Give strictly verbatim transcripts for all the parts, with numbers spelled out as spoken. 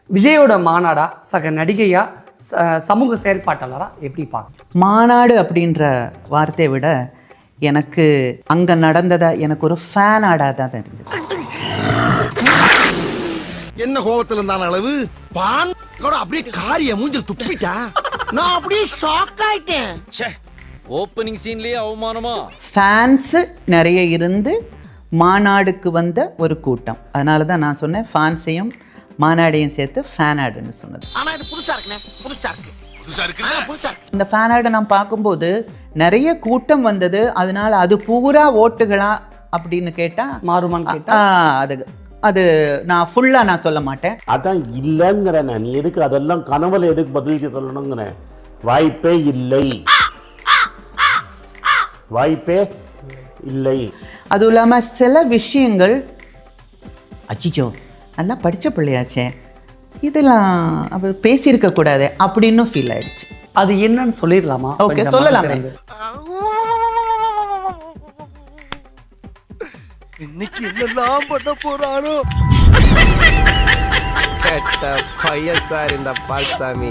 விஜயோட மாநாடா சக நடிகையா சமூக செயற்பாட்டாளரா எப்படி பார்க்க? மாநாடு அப்படின்ற வார்த்தையை விட எனக்கு அங்கே நடந்ததா எனக்கு ஒரு ஃபேன் ஆடாக தான் தெரிஞ்சது. என்ன கோபத்தில் இருந்தான அளவு பான் அப்படியே காரிய மூஞ்சில் துப்பிட்டா நான் அப்படியே ஷாக் ஆயிட்டேன். ஓப்பனிங் சீன்லயே அவமானமா. ஃபேன்ஸ் நிறைய இருந்து மாநாடுக்கு வந்த ஒரு கூட்டம். அதனால தான் நான் சொன்னேன் ஃபேன்ஸையும் மாநாடையும் சேர்த்து ஃபேன் ஆடுன்னு சொன்னது. ஆனா இது புதுசா இருக்குனே, புதுசா இருக்கு. புதுசா இருக்கு. புதுசா இருக்கு. இந்த ஃபேன் ஆடை நான் பார்க்கும்போது நிறைய கூட்டம் வந்தது. அதனால அது பூரா ஓட்டுகளா அப்படின்னு கேட்டா மாறுமான்னு கேட்டா அது அது நான் ஃபுல்லா நான் சொல்ல மாட்டேன். அதான் இல்லைங்கிறேன். நீ எதுக்கு அதெல்லாம் கனவுல எதுக்கு பதிலுக்கு சொல்லணுங்கிறேன். வாய்ப்பே இல்லை, வாய்ப்பே இல்லை. அதுவும் இல்லாமல் சில விஷயங்கள் அச்சிச்சோ நல்லா படித்த பிள்ளையாச்சே இதெல்லாம் அவர் பேசியிருக்க கூடாது அப்படின்னு ஃபீல் ஆயிடுச்சு. அது என்னன்னு சொல்லிடலாமா? ஓகே, சொல்லலாமே. இன்னைக்கு என்னெல்லாம் பண்ண போறானோ. கெட்ட பையன் சார் இந்த பால்சாமி.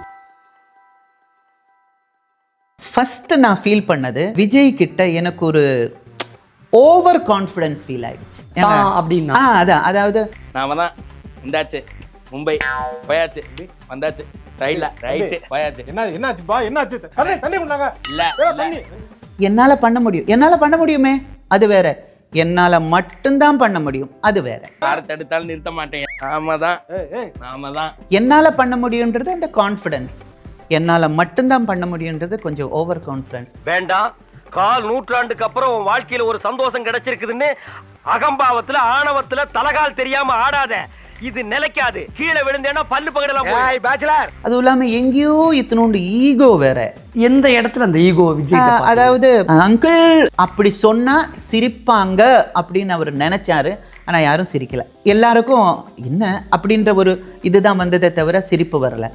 ஃபர்ஸ்ட் நான் ஃபீல் பண்ணது விஜய் கிட்ட எனக்கு ஒரு ஓவர் கான்ஃபிடன்ஸ் ஃபீல் ஆயிடுச்சு. அப்படின்னா அதான் அதாவது நாம தான் இந்தாச்சு மும்பை போயாச்சு வந்தாச்சு ரைட்ல ரைட் போயாச்சு. என்ன என்னாச்சு பா என்னாச்சு? தண்ணி தண்ணி கொண்டாங்க. இல்ல தண்ணி என்னால பண்ண முடியும், என்னால பண்ண முடியுமே அது வேற, என்னால மட்டும்தான் பண்ண முடியும் அது வேற. யாரை தடுத்தாலும் நிறுத்த மாட்டேன். நாம தான் நாம தான் என்னால பண்ண முடியும்ன்றது அந்த கான்ஃபிடன்ஸ், என்னால மட்டும்தான் பண்ண முடியும்ன்றது கொஞ்சம் ஓவர் கான்ஃபிடன்ஸ். வேண்டாம், கால் நூற்றாண்டுக்கு அப்புறம் உன் வாழ்க்கையில ஒரு சந்தோஷம் கிடைச்சிருக்குதுன்னு அகம்பாவத்துல ஆணவத்துல தலகால் தெரியாம ஆடாத. இது நிலைக்காது. கீழே விழுந்தேன்னா பல்லு பகடலாம். பேச்சுலர். அதுவும் இல்லாம எங்கேயோ இத்தனோண்டு ஈகோ வேற. எந்த இடத்துல அந்த ஈகோ விஜய்? அதாவது அங்கிள் அப்படி சொன்னா சிரிப்பாங்க அப்படின்னு அவர் நினைச்சாரு. ஆனா யாரும் சிரிக்கல. எல்லாருக்கும் என்ன அப்படின்ற ஒரு இதுதான் வந்ததை தவிர சிரிப்பு வரல.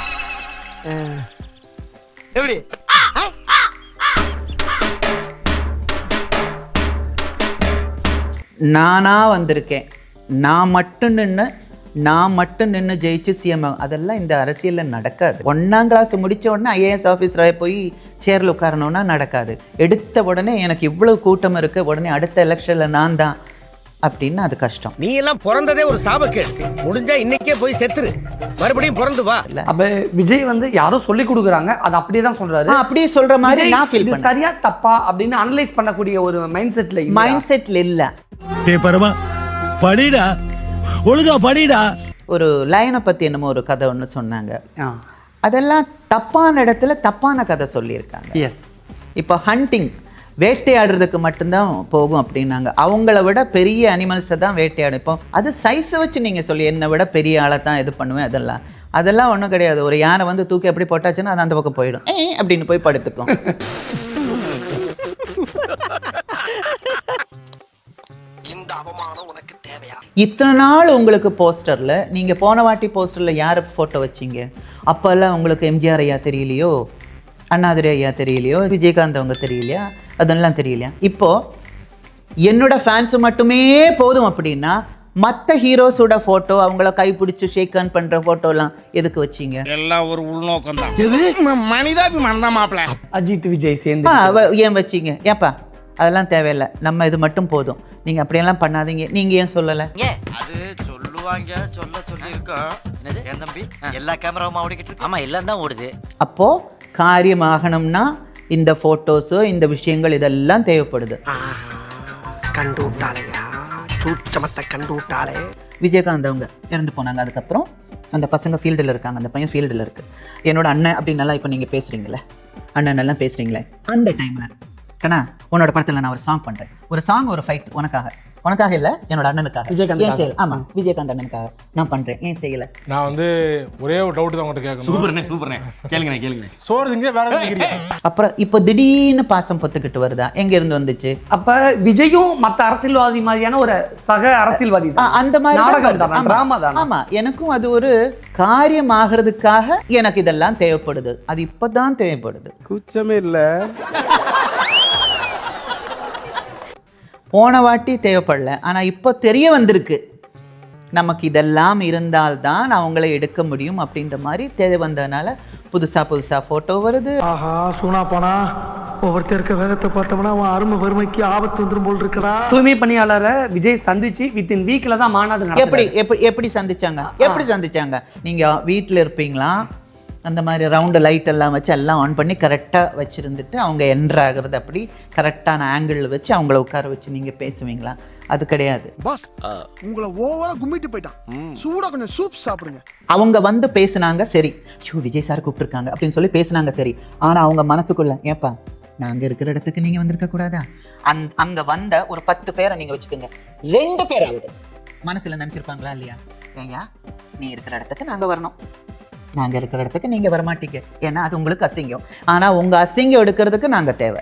எப்படி நானா வந்திருக்கேன், நான் மட்டும் நின்று நான் மட்டும் நின்று ஜெயிச்சு சிஎம், அதெல்லாம் இந்த அரசியலில் நடக்காது. ஒன்றாம் கிளாஸ் முடித்த உடனே ஐஏஎஸ் ஆஃபீஸராக போய் சேரில் உட்காரணுன்னா நடக்காது. எடுத்த உடனே எனக்கு இவ்வளோ கூட்டம் இருக்குது, உடனே அடுத்த எலெக்ஷனில் நான் தான் அப்படின்னு அது கஷ்டம். நீ எல்லாம் பிறந்ததே ஒரு சாபக்கேடு. முடிஞ்சா இன்னைக்கே போய் செத்துரு, மறுபடியும் பிறந்து வா. அப்ப விஜய் வந்து யாரோ சொல்லி கொடுக்குறாங்க, அது அப்படியே தான் சொல்றாரு. அப்படியே சொல்ற மாதிரி நான் ஃபீல் பண்ணேன். சரியா தப்பா அப்படின்னு அனலைஸ் பண்ணக்கூடிய ஒரு மைண்ட் செட்ல மைண்ட் செட்ல இல்ல. டேய் பரமா படிடா, ஒழுங்கா படிடா. ஒரு லைனை பத்தி என்னமோ ஒரு கதை ஒன்று சொன்னாங்க. அதெல்லாம் தப்பான இடத்துல தப்பான கதை சொல்லியிருக்காங்க. எஸ். இப்போ ஹண்டிங் வேட்டையாடுறதுக்கு மட்டும்தான் போகும் அப்படின்னாங்க. அவங்கள விட பெரிய அனிமல்ஸை தான் வேட்டையாடும். இப்போ அது சைஸை வச்சு நீங்கள் சொல்லி என்னை விட பெரிய ஆளை தான் இது பண்ணுவேன். அதெல்லாம் அதெல்லாம் ஒன்றும் கிடையாது. ஒரு யானை வந்து தூக்கி எப்படி போட்டாச்சுன்னா அது அந்த பக்கம் போயிடும், ஏ அப்படின்னு போய் படுத்துக்கும். இத்தனை நாள் உங்களுக்கு போஸ்டரில் நீங்கள் போன வாட்டி போஸ்டரில் யார் ஃபோட்டோ வச்சிங்க? அப்போல்லாம் உங்களுக்கு எம்ஜிஆர் ஐயா தெரியலையோ, அண்ணாதுரை ஐயா தெரியலையோ, விஜயகாந்த் அவங்க தெரியலையா, அதெல்லாம் தெரியலையா? இப்போது என்னோட ஃபேன்ஸு மட்டுமே போதும் அப்படின்னா மற்ற ஹீரோஸோட ஃபோட்டோ அவங்கள கைப்பிடிச்சு ஷேக் ஹேண்ட் பண்ணுற ஃபோட்டோலாம் எதுக்கு வச்சிங்க? எல்லாம் ஒரு உள்நோக்கம் தான். எது மனிதாபிமானம் தான் மாப்பிள்ள. அஜித் விஜய் சேர்ந்து ஏன் வச்சிங்க? ஏப்பா அதெல்லாம் தேவையில்லை, நம்ம இது மட்டும் போதும், நீங்கள் அப்படியெல்லாம் பண்ணாதீங்க. நீங்கள் ஏன் சொல்லலை? அது சொல்லுவாங்க, சொல்ல சொல்லியிருக்கோம். என் தம்பி எல்லா கேமராவும் ஓடிக்கிட்டு இருக்கு. ஆமா, எல்லாம் தான் ஓடுது. அப்போது காரியமாகணும்னா இந்த ஃபோட்டோஸோ இந்த விஷயங்கள் இதெல்லாம் தேவைப்படுது. கண்டு விட்டாளையா, சூட்சமத்தை கண்டு விட்டாளே. விஜயகாந்த் அவங்க இறந்து போனாங்க. அதுக்கப்புறம் அந்த பசங்க ஃபீல்டில் இருக்காங்க, அந்த பையன் ஃபீல்டில் இருக்குது. என்னோட அண்ணன் அப்படின்னு நல்லா இப்போ நீங்கள் பேசுகிறீங்களே, அண்ணன் எல்லாம் பேசுகிறீங்களே, அந்த டைமில் கண்ணா உன்னோட படத்தில் நான் ஒரு சாங் பண்ணுறேன், ஒரு சாங் ஒரு ஃபைட் உனக்காக, உனக்காக இல்லை என்னோட அண்ணனுக்காக, விஜயகாந்த் ஏன் செய்யல? ஆமாம், விஜயகாந்த் அண்ணனுக்காக நான் பண்ணுறேன், ஏன் செய்யலை? நான் வந்து ஒரே ஒரு டவுட் தான் உங்கள்கிட்ட கேட்கணும். சூப்பர்ண்ணே சூப்பர்ண்ணே, கேளுங்கண்ணே கேளுங்க. சோறு திங்க வேற எதுவும். அப்புறம் இப்போ திடீர்னு பாசம் பொத்துக்கிட்டு வருதா? எங்க இருந்து வந்துச்சு? அப்ப விஜயும் மற்ற அரசியல்வாதி மாதிரியான ஒரு சக அரசியல்வாதி அந்த மாதிரி நாடகம் தான், டிராமா தான். ஆமா, எனக்கும் அது ஒரு காரியம் ஆகிறதுக்காக எனக்கு இதெல்லாம் தேவைப்படுது. அது இப்பதான் தேவைப்படுது. கூச்சமே இல்ல. போன வாட்டி தேவைப்படல, ஆனா இப்போ தெரிய வந்திருக்கு. நமக்கு இதெல்லாம் இருந்தால்தான் அவங்கள எடுக்க முடியும் அப்படின்ற மாதிரி தேவை வந்ததுனால புதுசாக புதுசாக ஃபோட்டோ வருது. ஆஹா சூனா போனா ஒவ்வொருத்தர் இருக்க வேகத்தை பார்த்தோம்னா அவன் அருமை வறுமைக்கு ஆபத்து வந்துடும் போல் இருக்கடா. தூய்மை பணியாளரை விஜய் சந்திச்சு வித்தின் வீக்ல தான் மாநாடு எப்படி நடத்துறாரு. எப்படி எப்படி சந்திச்சாங்க எப்படி சந்திச்சாங்க நீங்கள் வீட்டில் இருப்பீங்களா, அந்த மாதிரி ரவுண்டு லைட் எல்லாம் வச்சு எல்லாம் ஆன் பண்ணி கரெக்டாக வச்சுருந்துட்டு அவங்க என்ட்ரு ஆகுறது அப்படி கரெக்டான ஆங்கிளில் வச்சு அவங்கள உட்கார வச்சு நீங்கள் பேசுவீங்களா? அது கிடையாது. பாஸ் உங்களை ஓவரா கும்மிட்டு போயிட்டான். சூடா கொஞ்சம் சூப் சாப்பிடுங்க. அவங்க வந்து பேசுனாங்க சரி, ஷூ விஜய் சார் கூப்பிட்டுருக்காங்க அப்படின்னு சொல்லி பேசுனாங்க சரி. ஆனால் அவங்க மனசுக்குள்ள ஏப்பா நாங்கள் இருக்கிற இடத்துக்கு நீங்கள் வந்திருக்க கூடாதா? அந் அங்கே வந்த ஒரு பத்து பேரை நீங்கள் வச்சுக்கோங்க, ரெண்டு பேராவது மனசில் நினச்சிருப்பாங்களா இல்லையா? ஏயா நீ இருக்கிற இடத்துக்கு நாங்கள் வரணும், நாங்கள் இருக்கிற இடத்துக்கு நீங்கள் வரமாட்டீங்க, ஏன்னா அது உங்களுக்கு அசிங்கம். ஆனால் உங்கள் அசிங்கம் எடுக்கிறதுக்கு நாங்கள் தேவை.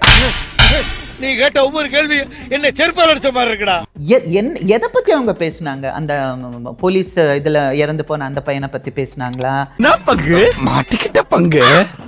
நீ கேட்ட ஒவ்வொரு கேள்வி என்ன செருப்பால் அடிச்ச மாதிரி இருக்குடா. என் எதை பற்றி அவங்க பேசுனாங்க? அந்த போலீஸ் இதில் இறந்து போன அந்த பையனை பற்றி பேசுனாங்களா? பங்கு மாட்டிக்கிட்ட பங்கு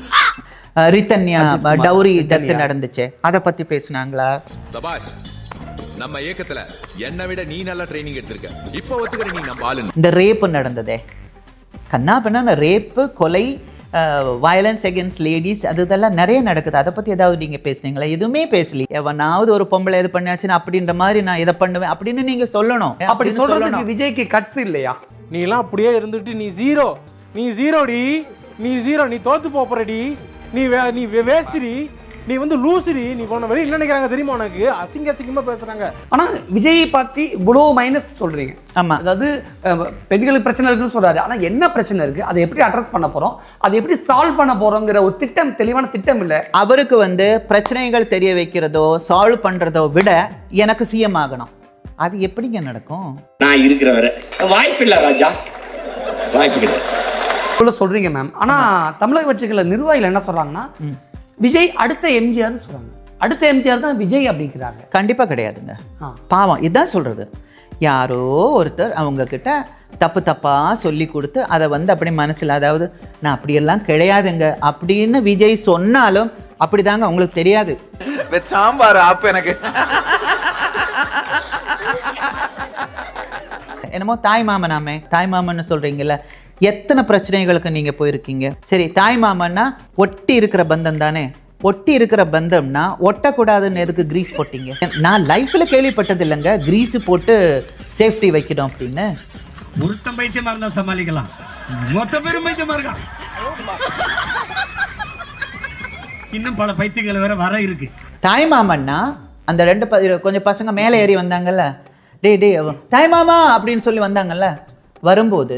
ரித்தன்யா டவுரி டெத் நடந்துச்சு, அதை பற்றி பேசுனாங்களா? சபாஷ், நம்ம இயக்கத்துல என்னை விட நீ நல்லா ட்ரைனிங் எடுத்திருக்க, இப்போ ஒத்துக்கிற நீ நம்ம ஆளு. இந்த ரேப்பு நடந்ததே கண்ணா பண்ண ரேப்பு, கொலை, வயலன்ஸ் அகேன்ஸ்ட் லேடிஸ், அது இதெல்லாம் நிறைய நடக்குது. அதை பற்றி ஏதாவது நீங்கள் பேசுனீங்களா? எதுவுமே பேசலி. எவனாவது ஒரு பொம்பளை எது பண்ணியாச்சுன்னு அப்படின்ற மாதிரி நான் இதை பண்ணுவேன் அப்படின்னு நீங்கள் சொல்லணும். அப்படி சொல்றதுக்கு விஜய்க்கு கட்ஸ் இல்லையா? நீ எல்லாம் அப்படியே இருந்துட்டு நீ ஜீரோ, நீ ஜீரோடி, நீ ஜீரோ, நீ தோத்து போறடி, நீ வே நீ வேஸ்ட்ரி, நீ வந்து லூசுடி, நீ போன வழி இல்லை நினைக்கிறாங்க தெரியுமா உனக்கு? அசிங்க அசிங்கமா பேசுறாங்க. ஆனா விஜயை பத்தி இவ்வளோ மைனஸ் சொல்றீங்க. ஆமா, அதாவது பெண்களுக்கு பிரச்சனை இருக்குன்னு சொல்றாரு. ஆனா என்ன பிரச்சனை இருக்கு, அதை எப்படி அட்ரஸ் பண்ண போறோம், அதை எப்படி சால்வ் பண்ண போறோங்கிற ஒரு திட்டம், தெளிவான திட்டம் இல்லை. அவருக்கு வந்து பிரச்சனைகள் தெரிய வைக்கிறதோ சால்வ் பண்றதோ விட எனக்கு சிஎம் ஆகணும். அது எப்படிங்க நடக்கும்? நான் இருக்கிற வரை வாய்ப்பு இல்ல ராஜா, வாய்ப்பு கிடையாது சொல்றீங்க மேம். ஆனா தமிழக வெற்றிகள நிர்வாகிகள் என்ன சொல்றாங்கன்னா, விஜய் அடுத்த எம்ஜிஆர்னு சொல்றாங்க. அடுத்த எம்ஜிஆர் தான் விஜய் அப்படிங்கிறாங்க. கண்டிப்பா கிடையாதுங்க. பாவம், இதுதான் சொல்றது. யாரோ ஒருத்தர் அவங்க கிட்ட தப்பு தப்பா சொல்லி கொடுத்து அதை வந்து அப்படி மனசில், அதாவது நான் அப்படியெல்லாம் கிடையாதுங்க அப்படின்னு விஜய் சொன்னாலும் அப்படிதாங்க, உங்களுக்கு தெரியாது. சாம்பார் ஆப்பு எனக்கு என்னமோ தாய் மாமனாமே, தாய் மாமன்னு சொல்றீங்கல்ல, எத்தனை பிரச்சனைகளுக்கு நீங்க போயிருக்கீங்க. சரி, தாய் மாமன்னா ஒட்டி இருக்கிற பந்தம் தானே. ஒட்டி இருக்கிற பந்தம்னா ஒட்டக்கூடாதுன்னு எதுக்கு கிரீஸ் போட்டீங்க? நான் லைஃப்ல கேள்விப்பட்டது இல்லைங்க கிரீஸ் போட்டு சேஃப்டி வைக்கணும் அப்படின்னு. ஒருத்தம் பைத்தியமா இருந்தா சமாளிக்கலாம், மொத்த பேரும் பைத்தியமா இருக்கான். இன்னும் பல பைத்தியங்கள் வேற வர இருக்கு. தாய் மாமன்னா அந்த ரெண்டு ப கொஞ்சம் பசங்க மேலே ஏறி வந்தாங்கல்ல, டே டே தாய் மாமா அப்படின்னு சொல்லி வந்தாங்கல்ல, வரும்போது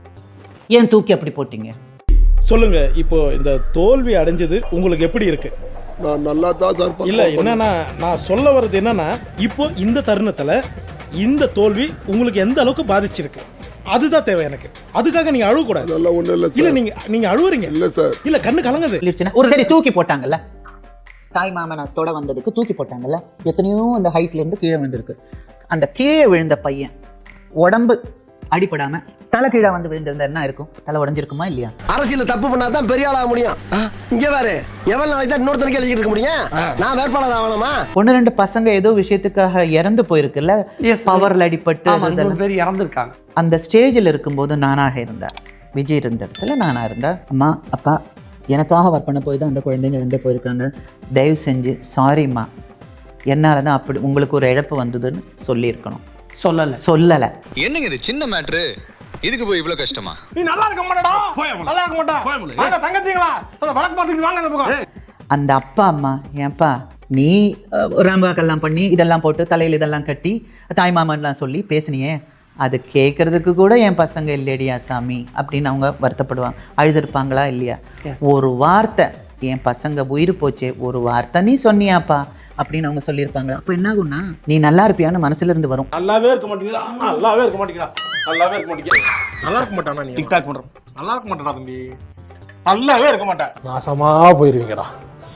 ஏன் தூக்கி அப்படி போட்டீங்க? சொல்லுங்க. இப்போ இந்த தோல்வி அடைஞ்சது உங்களுக்கு எப்படி இருக்கு? நான் நல்லா தான் இல்ல, என்னன்னா நான் சொல்ல வர்றது என்னன்னா, இப்போ இந்த தருணத்துல இந்த தோல்வி உங்களுக்கு எந்த அளவுக்கு பாதிச்சிருக்கு அதுதான் தேவை எனக்கு. அதுக்காக நீங்க அழுவ கூடாது. அதெல்லாம் ஒண்ணு இல்ல இல்ல, நீங்க நீங்க அழுவுறீங்க. இல்ல சார், இல்ல கண்ணு கலங்குது. ஒரு சரி தூக்கி போட்டாங்கல்ல, தாய் மாமனை தொட வந்ததுக்கு தூக்கி போட்டாங்கல்ல, எத்தனையோ அந்த ஹைட்ல இருந்து கீழே விழுந்திருக்கு. அந்த கீழே விழுந்த பையன் உடம்பு அடிபடாம தலை கீழே வந்து விழுந்திருந்தா என்ன இருக்கும்? தலை உடஞ்சிருக்குமா இல்லையா? அரசியல தப்பு பண்ணாதான் பெரிய ஆளாக முடியும். இங்க வேற எவ்வளவு நாளைக்கு தான் இன்னொருத்தனுக்கு எழுதிட்டு இருக்க முடியும்? நான் வேட்பாளர் ஆகணுமா? ஒன்னு ரெண்டு பசங்க ஏதோ விஷயத்துக்காக இறந்து போயிருக்குல்ல, பவர்ல அடிபட்டு பேர் இறந்துருக்காங்க. அந்த ஸ்டேஜில் இருக்கும்போது நானாக இருந்தேன், விஜய் இருந்த இடத்துல நானா இருந்தேன். அம்மா அப்பா எனக்காக ஒர்க் பண்ண போய் தான் அந்த குழந்தைங்க இறந்து போயிருக்காங்க, தயவு செஞ்சு சாரிம்மா, என்னால தான் அப்படி உங்களுக்கு ஒரு இழப்பு வந்ததுன்னு சொல்லியிருக்கணும். சொல்லல சொல்லல என்னங்க இது சின்ன மேட்ரு, இதுக்கு போய் இவ்வளவு கஷ்டமா? நீ நல்லா இருக்க மாட்டடா, நல்லா இருக்க மாட்டா. வாங்க தங்கச்சிங்களா, அந்த வழக்கு பார்த்துட்டு வாங்க அந்த பக்கம். அந்த அப்பா அம்மா, ஏன்பா நீ ராம்பாக்கெல்லாம் பண்ணி இதெல்லாம் போட்டு தலையில் இதெல்லாம் கட்டி தாய் மாமன்லாம் சொல்லி பேசுனியே, அது கேட்கறதுக்கு கூட என் பசங்க இல்லையடியா சாமி அப்படின்னு அவங்க வருத்தப்படுவாங்க. அழுதுருப்பாங்களா இல்லையா? ஒரு வார்த்தை, என் பசங்க உயிர் போச்சே, ஒரு வார்த்தை நீ சொன்னியாப்பா அப்படின்னு அவங்க சொல்லியிருப்பாங்க. அப்போ என்ன ஆகும்னா, நீ நல்லா இருப்பியான்னு மனசுல இருந்து வரும். நல்லாவே இருக்க மாட்டீங்களா, நல்லாவே இருக்க மாட்டீங்களா, நல்லாவே இருக்க மாட்டீங்க, நல்லா இருக்க மாட்டானா நீ டிக்டாக் பண்ற, நல்லா இருக்க மாட்டேடா தம்பி, நல்லாவே இருக்க மாட்டேன், நாசமா போயிருவீங்கடா,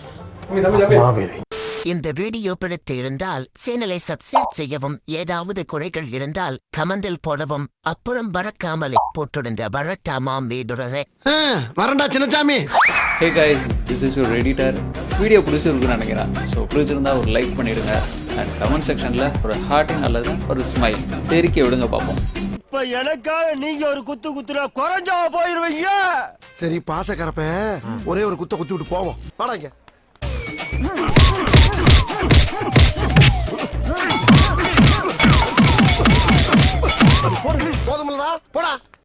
நாசமா போயிருவீங்க. இந்த வீடியோ பிடித்து இருந்தால் சேனலை சப்ஸ்கிரைப் செய்யவும், ஏதாவது குறைகள் இருந்தால் கமெண்டில் போடவும், அப்புறம் பறக்காமலே போட்டிருந்த வரட்டாமாம் வீடுறதை வரண்டா Chinnasamy. Hey guys, this is your editor. Video பிடிச்சிருக்குன்னு நினைக்கிறேன். ஸோ பிடிச்சிருந்தா ஒரு லைக் பண்ணிடுங்க, அண்ட் கமெண்ட் செக்ஷனில் ஒரு ஹார்ட்டிங் அல்லது ஒரு ஸ்மைல் தெரிக்க விடுங்க பார்ப்போம். இப்ப எனக்காக நீங்க ஒரு குத்து குத்துனா குறைஞ்சா போயிருவீங்க. சரி பாசக்கரப்ப ஒரே ஒரு குத்த குத்தி விட்டு போவோம். வாடாங்க. போதுமில்லடா போடா.